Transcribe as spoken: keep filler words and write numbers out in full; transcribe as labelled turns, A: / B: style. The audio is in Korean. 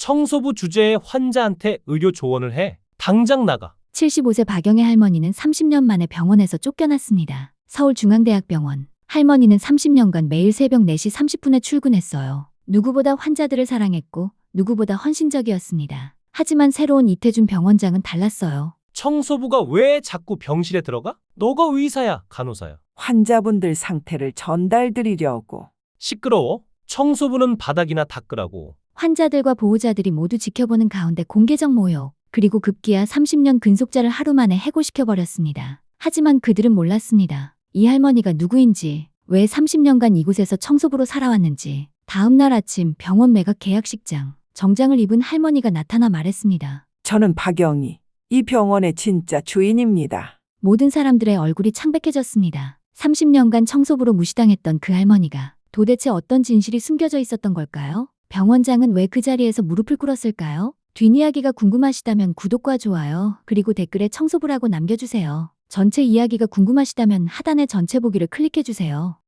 A: 청소부 주제에 환자한테 의료 조언을 해. 당장 나가.
B: 칠십오 세 박영애 할머니는 삼십 년 만에 병원에서 쫓겨났습니다. 서울중앙대학병원. 할머니는 삼십 년간 매일 새벽 네 시 삼십 분에 출근했어요. 누구보다 환자들을 사랑했고 누구보다 헌신적이었습니다. 하지만 새로운 이태준 병원장은 달랐어요.
A: 청소부가 왜 자꾸 병실에 들어가? 너가 의사야, 간호사야.
C: 환자분들 상태를 전달드리려고.
A: 시끄러워. 청소부는 바닥이나 닦으라고.
B: 환자들과 보호자들이 모두 지켜보는 가운데 공개적 모욕, 그리고 급기야 삼십 년 근속자를 하루 만에 해고시켜버렸습니다. 하지만 그들은 몰랐습니다. 이 할머니가 누구인지, 왜 삼십 년간 이곳에서 청소부로 살아왔는지. 다음 날 아침 병원 매각 계약식장, 정장을 입은 할머니가 나타나 말했습니다.
C: 저는 박영희, 이 병원의 진짜 주인입니다.
B: 모든 사람들의 얼굴이 창백해졌습니다. 삼십 년간 청소부로 무시당했던 그 할머니가 도대체 어떤 진실이 숨겨져 있었던 걸까요? 병원장은 왜 그 자리에서 무릎을 꿇었을까요? 뒷이야기가 궁금하시다면 구독과 좋아요, 그리고 댓글에 청소부라고 남겨주세요. 전체 이야기가 궁금하시다면 하단의 전체 보기를 클릭해주세요.